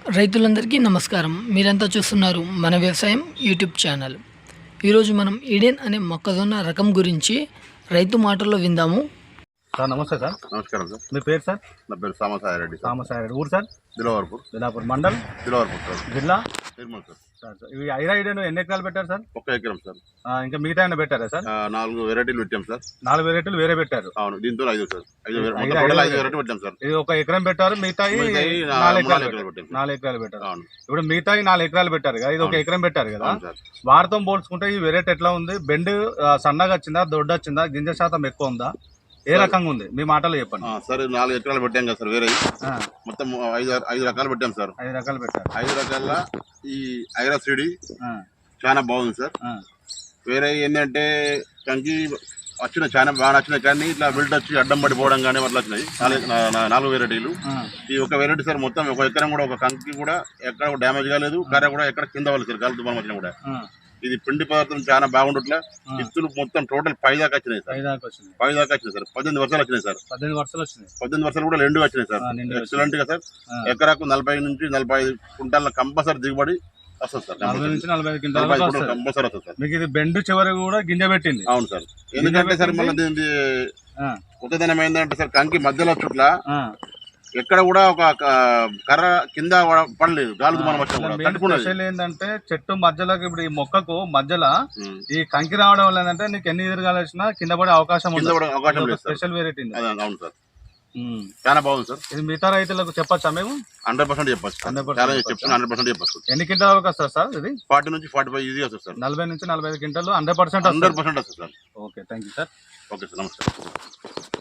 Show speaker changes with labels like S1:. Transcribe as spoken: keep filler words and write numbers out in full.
S1: రైతులందరికీ నమస్కారం. మీరంతా చూస్తున్నారు మన వ్యవసాయం యూట్యూబ్ ఛానల్. ఈరోజు మనం ఈడెన్ అనే మొక్కజొన్న రకం గురించి రైతు మాటల్లో విందాము.
S2: సార్ నమస్తే సార్.
S3: నమస్కారం సార్.
S2: మీ పేరు సార్?
S3: నా పేరు సామసాయిరెడ్డి.
S2: సామసాయిరెడ్డి. ఊరు సార్?
S3: దిలవర్పూర్.
S2: దిలాపూర్ మండల్,
S3: దిలవర్పూర్ సార్.
S2: జిల్లా
S3: నిర్మల్ సార్.
S2: సార్ సార్ ఇవి ఐరా ఈడెన్ ఎన్ని ఎకరాలు పెట్టారు సార్?
S3: ఒక ఎకరం సార్.
S2: ఆ, ఇంకా మిగతా ఏమైనా పెట్టారా సార్?
S3: ఆ, నాలుగు వెరైటీలు పెట్టాం సార్.
S2: నాలుగు వెరైటీలు వేరే పెట్టారు.
S3: అవును, దీంతో ఐదు సార్. ఐదు
S2: ఐదు-
S3: మొత్తం
S2: ఐదు
S3: టోటల్ ఐదు
S2: వెరైటీ.
S3: వెరైటీ పెట్టాం సార్.
S2: ఇది ఒక ఎకరం పెట్టారు, మిగతా
S3: మిగతాయి నా-
S2: నాలుగు ఎకరాలు
S3: నాలుగు
S2: పెట్టారు.
S3: ఎకరాలు పెట్టాం.
S2: నాలుగు ఎకరాలు పెట్టారు.
S3: అవును
S2: ఇప్పుడు మిగతా నాలుగు ఎకరాలు పెట్టారు కదా, ఇది ఒక
S3: అవును.
S2: ఎకరం పెట్టారు కదా.
S3: అవును సార్.
S2: వారితో పోల్చుకుంటే ఈ వెరైటీ ఎట్లా ఉంది? బెండ్ ఆ, సన్నగా వచ్చిందా, దొడ్డు వచ్చిందా, గింజ శాతం ఎక్కువ ఉందా, ఏ రకంగా ఉంది మీ మాటలో చెప్పండి.
S3: ఆ, సరే నాలుగు ఎకరాలు పెట్టాం కదా సార్. వేరే
S2: ఆ,
S3: మొత్తం ఐదు ఐదు రకాలు పెట్టాం సార్.
S2: ఐదు రకాలు పెట్టారు.
S3: ఐదు రకాల ఈ ఐరా సిడి
S2: ఆ,
S3: చాలా బాగుంది సార్.
S2: ఆ,
S3: వేరే ఏంటంటే కంకి వచ్చిన చాలా బాగా వచ్చినాయి, కానీ ఇట్లా బిల్డ్ వచ్చి అడ్డం పడిపోవడం కానీ అట్లా వచ్చినాయి. నాలుగు నా- నా- నాలుగు వెరైటీలు.
S2: ఆ,
S3: ఈ ఒక వెరైటీ సార్ మొత్తం ఒక ఎకరం కూడా ఒక కంకి కూడా ఎక్కడ డ్యామేజ్ కాలేదు, కర్ర కూడా ఎక్కడ కింద వాళ్ళు సార్ గాలి తుఫాను వచ్చినా కూడా.
S2: ఆ,
S3: ఇది పిండి పదార్థం చాలా బాగుండట్లే.
S2: ఆ.
S3: ఇత్తులు మొత్తం టోటల్ పై దాకా వచ్చినాయి సార్.
S2: ఐదు దాకా వచ్చింది.
S3: పై దాకా వచ్చినాయి సార్. పద్దెనిమిది వర్షాలు వచ్చినాయి సార్.
S2: పద్దెనిమిది వర్షాలు వచ్చినాయి.
S3: పద్దెనిమిది వర్షాలు కూడా రెండు వచ్చినాయి సార్.
S2: ఆ, నిండు వచ్చినాయి.
S3: ఎక్సలెంట్ గా సార్.
S2: ఆ.
S3: ఎకరాకు నలభై నుంచి నలభై ఐదు కుంటాల కంపల్సరీ దిగుబడి వస్తుంది సార్.
S2: నలభై నుంచి నలభై ఐదు
S3: నలభై ఐదు
S2: క్వింటాలు
S3: కుంటాలు కంపల్సరీ వస్తుంది సార్.
S2: మీకు ఇది బెండు చివరి కూడా గింజ పెట్టింది.
S3: అవును సార్. ఎందుకంటే సార్ మళ్ళీ దీనికి
S2: ఆ,
S3: కొత్తదనం ఏంటంటే సార్, కంకి మధ్యలో చుట్ల
S2: ఆ.
S3: ఎక్కడ కూడా ఒక క- కర్ర కింద పడలేదు, గాలి తుఫాను వచ్చినా కూడా
S2: మెయిన్
S3: తట్టుకున్నది.
S2: స్పెషల్ ఏంటంటే చెట్టు మధ్యలోకి ఇప్పుడు ఈ మొక్కకు మధ్యలో
S3: ఉం.
S2: ఈ కంకి రావడం వల్ల ఏంటంటే నీకు ఎన్ని ఎదురుగాలు వచ్చినా కింద పడే అవకాశం
S3: కింద
S2: ఉంది.
S3: కూడా అవకాశం లేదు సార్.
S2: స్పెషల్ వెరైటీ ఇది.
S3: అదే, అవును సార్. చాలా బాగుంది సార్.
S2: ఇది మిగతా రైతులకు చెప్పొచ్చా మేము?
S3: హండ్రెడ్ పర్సెంట్ చెప్పచ్చు.
S2: హండ్రెడ్ పర్సెంట్
S3: చాలా
S2: చెప్పొచ్చా?
S3: చెప్తున్నా, హండ్రెడ్ పర్సెంట్ చెప్పచ్చు.
S2: ఎన్ని క్వింటాల వరకు వస్తుంది సార్ ఇది?
S3: ఫార్టీ నుంచి ఫార్టీ ఫైవ్ ఈజీ వస్తుంది సార్.
S2: నలభై నుంచి నలభై ఐదు quintal hundred percent
S3: hundred percent వస్తుంది sir.
S2: Okay, thank you sir.
S3: Okay sir, నమస్కారం.